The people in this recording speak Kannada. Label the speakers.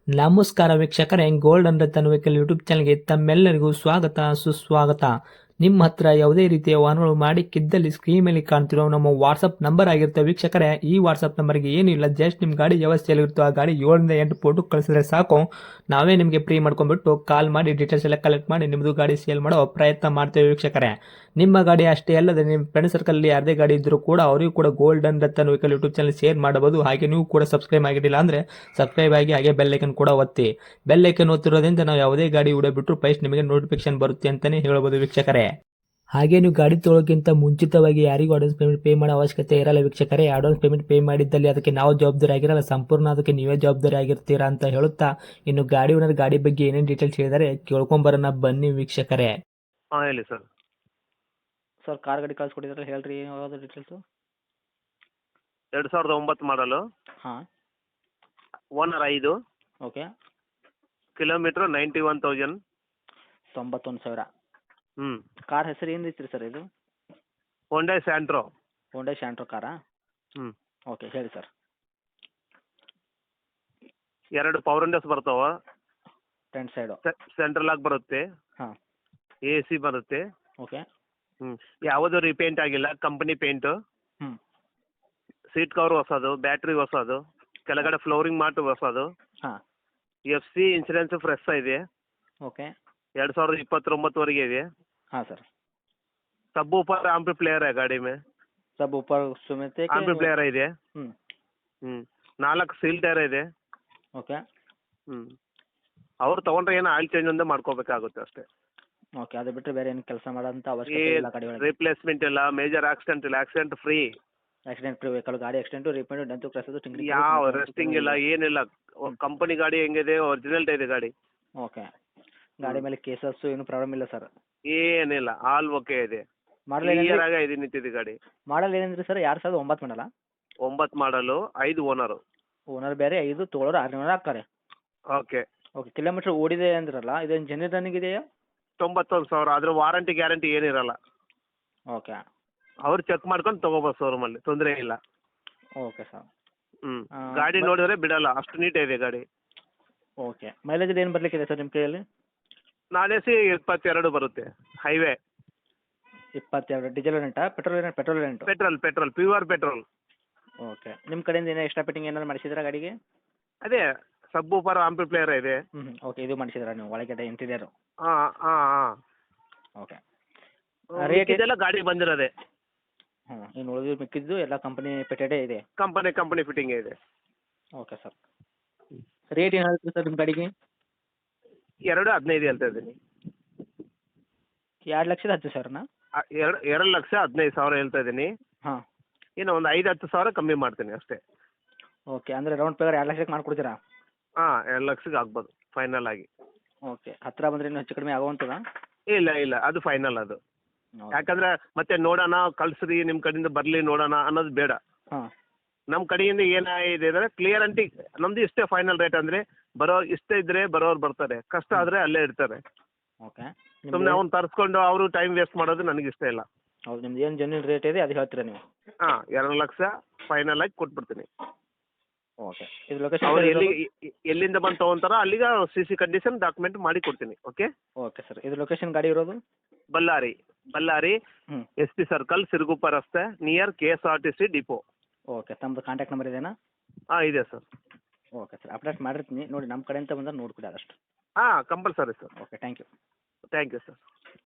Speaker 1: ನಮಸ್ಕಾರ ವೀಕ್ಷಕರೇ, gold and Ratan vehicle YouTube ಚಾನಲ್ಗೆ ತಮ್ಮೆಲ್ಲರಿಗೂ ಸ್ವಾಗತ ಸುಸ್ವಾಗತ. ನಿಮ್ಮ ಹತ್ರ ಯಾವುದೇ ರೀತಿಯ ವಾಹನಗಳು ಮಾಡಿಕ್ಕಿದ್ದಲ್ಲಿ ಸ್ಕ್ರೀನ್ ಮೇಲೆ ಕಾಣ್ತಿರೋ ನಮ್ಮ ವಾಟ್ಸಪ್ ನಂಬರ್ ಆಗಿರುತ್ತೆ ವೀಕ್ಷಕರೇ. ಈ ವಾಟ್ಸಪ್ ನಂಬರ್ಗೆ ಏನಿಲ್ಲ, ಜಸ್ಟ್ ನಿಮ್ಮ ಗಾಡಿ ವ್ಯವಸ್ಥೆಯಲ್ಲಿರುತ್ತೋ ಆ ಗಾಡಿ 7 ರಿಂದ 8 ಫೋಟೋ ಕಳಿಸಿದ್ರೆ ಸಾಕು, ನಾವೇ ನಿಮಗೆ ಫ್ರೀ ಮಾಡ್ಕೊಂಡ್ಬಿಟ್ಟು ಕಾಲ್ ಮಾಡಿ ಡೀಟೇಲ್ಸ್ ಎಲ್ಲ ಕಲೆಕ್ಟ್ ಮಾಡಿ ನಿಮ್ಮದು ಗಾಡಿ ಸೇಲ್ ಮಾಡೋ ಪ್ರಯತ್ನ ಮಾಡ್ತೇವೆ ವೀಕ್ಷಕರೇ. ನಿಮ್ಮ ಗಾಡಿ ಅಷ್ಟೇ ಅಲ್ಲದೆ ನಿಮ್ಮ ಫ್ರೆಂಡ್ ಸರ್ಕಲ್ ಯಾರದೇ ಗಾಡಿ ಇದ್ದರೂ ಕೂಡ ಅವರಿಗೂ ಕೂಡ gold and Ratan vehicle YouTube channel share ಮಾಡಬಹುದು. ಹಾಗೆ ನೀವು ಕೂಡ ಸಬ್ಸ್ಕ್ರೈಬ್ ಆಗಿರಲಿಲ್ಲ ಅಂದರೆ ಸಬ್ಸ್ಕ್ರೈಬ್ ಆಗಿ ಹಾಗೆ ಬೆಲ್ ಐಕನ್ ಕೂಡ ಒತ್ತಿ. ಬೆಲ್ ಐಕನ್ ಒತ್ತಿರೋದ್ರಿಂದ ನಾವು ಯಾವುದೇ ಗಾಡಿ ಬಿಟ್ಟರು ಫಸ್ಟ್ ನಿಮಗೆ ನೋಟಿಫಿಕೇಶನ್ ಬರುತ್ತೆ ಅಂತಾನೆ ಹೇಳ್ಬೋದು ವೀಕ್ಷಕರೇ. ಹಾಗೆ ನೀವು ಗಾಡಿ ತೊಳೋಕ್ಕಿಂತ ಮುಂಚಿತವಾಗಿ ಯಾರಿಗೂ ಅಡ್ವಾನ್ಸ್ ಪೇಮೆಂಟ್ ಪೇ ಮಾಡೋ ಅವಶ್ಯಕತೆ ಇರಲ್ಲ ವೀಕ್ಷಕರೇ. ಅಡ್ವಾನ್ಸ್ ಪೇಮೆಂಟ್ ಪೇ ಮಾಡಿದ್ದಲ್ಲಿ ಅದಕ್ಕೆ ನಾವು ಜವಾಬ್ದಾರಿ ಆಗಿರಲ್ಲ, ಸಂಪೂರ್ಣ ಅದಕ್ಕೆ ನೀವೇ ಜವಾಬ್ದಾರಿ ಆಗಿರ್ತೀರಾ ಅಂತ ಹೇಳುತ್ತಾ, ಇನ್ನು ಗಾಡಿ ಓನರ್ ಗಾಡಿ ಬಗ್ಗೆ ಏನೇನು ಡೀಟೇಲ್ಸ್ ಹೇಳಿದರೆ ಕೇಳ್ಕೊಂಬರೋಣ ಬನ್ನಿ ವೀಕ್ಷಕರೇ.
Speaker 2: ಹಾಂ ಹೇಳಿ ಸರ್.
Speaker 3: ಸರ್ ಕಾರ್ ಗಾಡಿ ಕಳ್ಸ್ಕೊಟ್ಟಿದ್ರಲ್ಲ, ಹೇಳ್ರಿ ಯಾವ್ದು ಡೀಟೇಲ್ಸು.
Speaker 2: 2009 ಮಾಡಲು,
Speaker 3: ಹಾಂ
Speaker 2: ಓನರ್ 5,
Speaker 3: ಓಕೆ.
Speaker 2: ಕಿಲೋಮೀಟ್ರ್ 91,000.
Speaker 3: 91,000.
Speaker 2: ಹ್ಞೂ.
Speaker 3: ಕಾರ್ ಹೆಸರು ಏನು ಐತ್ರಿ ಸರ್ ಇದು?
Speaker 2: Hyundai Santro.
Speaker 3: ಹೋಂಡಾ ಶಾಂಟ್ರೋ ಕಾರಾ?
Speaker 2: ಹ್ಞೂ.
Speaker 3: ಓಕೆ ಹೇಳಿ ಸರ್.
Speaker 2: 2 ಪವರ್ ವಿಂಡೋಸ್ ಬರ್ತಾವ,
Speaker 3: ಫ್ರಂಟ್ ಸೈಡು.
Speaker 2: ಸೆಂಟ್ರಲ್ ಆಗಿ ಬರುತ್ತೆ,
Speaker 3: ಹಾಂ
Speaker 2: AC ಬರುತ್ತೆ.
Speaker 3: ಓಕೆ.
Speaker 2: ಹ್ಞೂ. ಯಾವುದೂ ರೀಪೇಂಟ್ ಆಗಿಲ್ಲ, ಕಂಪನಿ ಪೇಂಟು.
Speaker 3: ಹ್ಞೂ
Speaker 2: ಸೀಟ್ ಕವರ್ ಹೊಸದು, ಬ್ಯಾಟ್ರಿ ಹೊಸದು, ಕೆಳಗಡೆ ಫ್ಲೋರಿಂಗ್ ಮಾಟು ಹೊಸದು.
Speaker 3: ಹಾಂ
Speaker 2: FC ಇನ್ಸೂರೆನ್ಸ್ ಫ್ರೆಶ್ ಇದೆ,
Speaker 3: ಓಕೆ.
Speaker 2: 2029ವರೆಗೆ ಇದೆ.
Speaker 3: हाँ सर.
Speaker 2: सब ऊपर ಆಂಪ್ಲಿಫೈಯರ್ है ಗಾಡಿ में.
Speaker 3: सब ऊपर समेत है
Speaker 2: ಆಂಪ್ಲಿಫೈಯರ್ ಇದೆ.
Speaker 3: ಹ್ಞೂ
Speaker 2: 4 ಸೀಲ್ ಟೈರ್ ಇದೆ.
Speaker 3: ಓಕೆ.
Speaker 2: ಅವ್ರು ತೊಗೊಂಡ್ರೆ ಏನೋ ಆಯಿಲ್ ಚೇಂಜ್ ಒಂದೇ ಮಾಡ್ಕೋಬೇಕಾಗುತ್ತೆ ಅಷ್ಟೇ.
Speaker 3: ಓಕೆ, ಅದು ಬಿಟ್ಟರೆ ಬೇರೆ ಏನು ಕೆಲಸ ಮಾಡೋಂಥ ಅವಶ್ಯಕತೆ ಇಲ್ಲ ಗಾಡಿ ಒಳಗೆ.
Speaker 2: ರಿಪ್ಲೇಸ್ಮೆಂಟ್ ಇಲ್ಲ, ಮೇಜರ್ ಆಕ್ಸಿಡೆಂಟ್ ಇಲ್ಲ, accident free.
Speaker 3: Accident free vehicle, ಗಾಡಿ ಆಕ್ಸಿಡೆಂಟು ರಿಪೇಂಟು ಡೆಂತು ಕ್ರಾಸದು ಟಿಂಕ್ರಿಂಗ್
Speaker 2: ಯಾವ ರೆಸ್ಟಿಂಗ್ ಇಲ್ಲ, ಏನಿಲ್ಲ. ಕಂಪನಿ ಗಾಡಿ ಹೆಂಗಿದೆ ಒರಿಜಿನಲ್ ಇದೆ ಗಾಡಿ.
Speaker 3: ಓಕೆ. ಗಾಡಿ ಮೇಲೆ ಕೇಸಸ್ಸು ಏನು ಪ್ರಾಬ್ಲಮ್ ಇಲ್ಲ ಸರ್?
Speaker 2: ಏನಿಲ್ಲ, ಆಲ್ ಓಕೆ ಇದೆ.
Speaker 3: ಮಾಡಲ್
Speaker 2: ಕ್ಲಿಯರ್ ಆಗಿ ಇದೆ ನಿಂತಿದೆ ಗಾಡಿ.
Speaker 3: ಮಾಡಲ್ ಏನಂದ್ರಿ ಸರ್? 2009 ಮಾಡಲ್ಲ?
Speaker 2: 9 ಮಾಡಲು, 5 ಓನರು.
Speaker 3: ಓನರ್ ಬೇರೆ, 5 ತೊಗೊಳೋರು 6 ಆಗ್ತಾರೆ.
Speaker 2: ಓಕೆ.
Speaker 3: ಓಕೆ. ಕಿಲೋಮೀಟ್ರ್ ಓಡಿದೆ ಅಂದ್ರಲ್ಲ, ಇದೇನು ಜೆನ್ಯೂನ್ ರನ್ನಿಂಗ್ ಇದೆಯಾ?
Speaker 2: 91,000. ಆದ್ರೆ ವಾರಂಟಿ ಗ್ಯಾರಂಟಿ ಏನಿರಲ್ಲ.
Speaker 3: ಓಕೆ.
Speaker 2: ಅವ್ರು ಚೆಕ್ ಮಾಡ್ಕೊಂಡು ತೊಗೋಬೋದು ಶೋರೂಮಲ್ಲಿ, ತೊಂದರೆ ಇಲ್ಲ.
Speaker 3: Okay sir.
Speaker 2: ಗಾಡಿ ನೋಡಿದ್ರೆ ಬಿಡಲ್ಲ, ಅಷ್ಟು ನೀಟ್ ಇದೆ ಗಾಡಿ.
Speaker 3: ಓಕೆ. ಮೈಲೇಜ್ ಏನು ಬರಲಿಕ್ಕಿದೆ ಸರ್ ನಿಮ್ಮ ಕೈಯಲ್ಲಿ?
Speaker 2: ನಾನೇಸಿ 22 ಬರುತ್ತೆ, ಹೈವೇ.
Speaker 3: 22. ಡೀಸೆಲ್ ರೆಂಟಾ? ಪೆಟ್ರೋಲ್ ರೆಂಟು?
Speaker 2: Petrol, pure petrol.
Speaker 3: ಓಕೆ. ನಿಮ್ಮ ಕಡೆಯಿಂದ ಏನೋ ಎಕ್ಸ್ಟ್ರಾ ಫಿಟ್ಟಿಂಗ್ ಏನಾದ್ರು ಮಾಡಿಸಿದ್ರಾ ಗಾಡಿಗೆ?
Speaker 2: ಅದೇ ಸಬ್ ಊಪರ್ ಆಂಪ್ಲಿಫೈಯರ್ ಇದೆ.
Speaker 3: ಓಕೆ. ಇದು ಮಾಡಿಸಿದ್ರಾ ನೀವು ಒಳಗಡೆ ಇಂಟೀರಿಯರು?
Speaker 2: ಹಾಂ ಹಾಂ ಹಾಂ.
Speaker 3: ಓಕೆ.
Speaker 2: ರೇಟ್ ಇದೆಲ್ಲ ಗಾಡಿ ಬಂದಿರೋದೆ.
Speaker 3: ಇನ್ನು ಉಳಿದು ಮಿಕ್ಕಿದ್ದು ಎಲ್ಲ ಕಂಪನಿ ಫಿಟೆಡೇ ಇದೆ?
Speaker 2: ಕಂಪನಿ ಫಿಟ್ಟಿಂಗ್ ಇದೆ.
Speaker 3: Okay sir. ರೇಟ್ ಏನು ಹೇಳ್ತೀರಿ ಸರ್ ನಿಮ್ಮ ಗಾಡಿಗೆ?
Speaker 2: 2,15 ಹೇಳ್ತಾ ಇದ್ದೀನಿ.
Speaker 3: 2,10,000ನ?
Speaker 2: 2,15,000 ಹೇಳ್ತಾ ಇದ್ದೀನಿ.
Speaker 3: ಹಾಂ.
Speaker 2: ಇನ್ನು ಒಂದು 5-10 ಸಾವಿರ ಕಮ್ಮಿ ಮಾಡ್ತೀನಿ ಅಷ್ಟೇ.
Speaker 3: ಓಕೆ. ಅಂದರೆ ರೌಂಡ್ ಫಿಗರ್ 2,00,000ಕ್ಕೆ ಮಾಡಿಕೊಡ್ತೀರಾ?
Speaker 2: ಹಾಂ, 2,00,000ಕ್ಕೆ ಆಗ್ಬೋದು ಫೈನಲ್ ಆಗಿ.
Speaker 3: ಓಕೆ. ಹತ್ತಿರ ಬಂದರೆ ಇನ್ನೂ ಹೆಚ್ಚು ಕಡಿಮೆ ಆಗುವಂಥದ್ದಾ?
Speaker 2: ಇಲ್ಲ, ಅದು ಫೈನಲ್ ಅದು. ಯಾಕಂದ್ರೆ ಮತ್ತೆ ನೋಡೋಣ, ಕಳ್ಸ್ರಿ ನಿಮ್ಮ ಕಡೆಯಿಂದ ಬರಲಿ ನೋಡೋಣ ಅನ್ನೋದು ಬೇಡ.
Speaker 3: ಹಾಂ.
Speaker 2: ನಮ್ಮ ಕಡೆಯಿಂದ ಏನಾಗಿದೆ ಅಂದರೆ ಕ್ಲಿಯರಂಟಿ ನಮ್ಮದು ಇಷ್ಟೇ ಫೈನಲ್ ರೇಟ್. ಅಂದರೆ ಇಷ್ಟೇ ಇದ್ದರೆ ಬರೋರು ಬರ್ತಾರೆ, ಕಷ್ಟ ಆದರೆ ಅಲ್ಲೇ ಇರ್ತಾರೆ.
Speaker 3: ಓಕೆ.
Speaker 2: ಸುಮ್ಮನೆ ಅವ್ನು ತರಿಸ್ಕೊಂಡು ಅವರು ಟೈಮ್ ವೇಸ್ಟ್ ಮಾಡೋದು ನನಗೆ ಇಷ್ಟ ಇಲ್ಲ.
Speaker 3: ಹೌದು, ನಿಮ್ದು ಏನು ಜೆನ್ಯೂನ್ ರೇಟ್ ಇದೆ ಅದು ಹೇಳ್ತೀರಾ ನೀವು?
Speaker 2: ಹಾಂ, 2,00,000 ಫೈನಲ್ ಆಗಿ ಕೊಟ್ಬಿಡ್ತೀನಿ.
Speaker 3: ಓಕೆ. ಇದು ಲೊಕೇಶನ್
Speaker 2: ಅವ್ರು ಎಲ್ಲಿಂದ ಬಂದು ತೊಗೊಂತಾರೋ ಅಲ್ಲಿಗೆ CC ಕಂಡೀಷನ್ ಡಾಕ್ಯುಮೆಂಟ್ ಮಾಡಿ ಕೊಡ್ತೀನಿ. ಓಕೆ.
Speaker 3: Okay sir. ಇದು ಲೊಕೇಶನ್ ಗಾಡಿ ಇರೋದು?
Speaker 2: ಬಳ್ಳಾರಿ
Speaker 3: ಹ್ಞೂ
Speaker 2: SP ಸರ್ಕಲ್, ಸಿರುಗುಪ್ಪ ರಸ್ತೆ, ನಿಯರ್ KSRTC ಡಿಪೋ.
Speaker 3: ಓಕೆ. ತಮ್ಮದು ಕಾಂಟ್ಯಾಕ್ಟ್ ನಂಬರ್ ಇದೆಯಾ?
Speaker 2: ಹಾಂ, ಇದೆ ಸರ್.
Speaker 3: Okay sir. ಅಪ್ಡೇಟ್ ಮಾಡಿರ್ತೀನಿ ನೋಡಿ, ನಮ್ಮ ಕಡೆಯಿಂದ ಬಂದರೆ ನೋಡ್ಕೊಡಿ ಆದಷ್ಟು.
Speaker 2: ಹಾಂ, compulsory sir.
Speaker 3: Okay. Thank you.
Speaker 2: Thank you sir.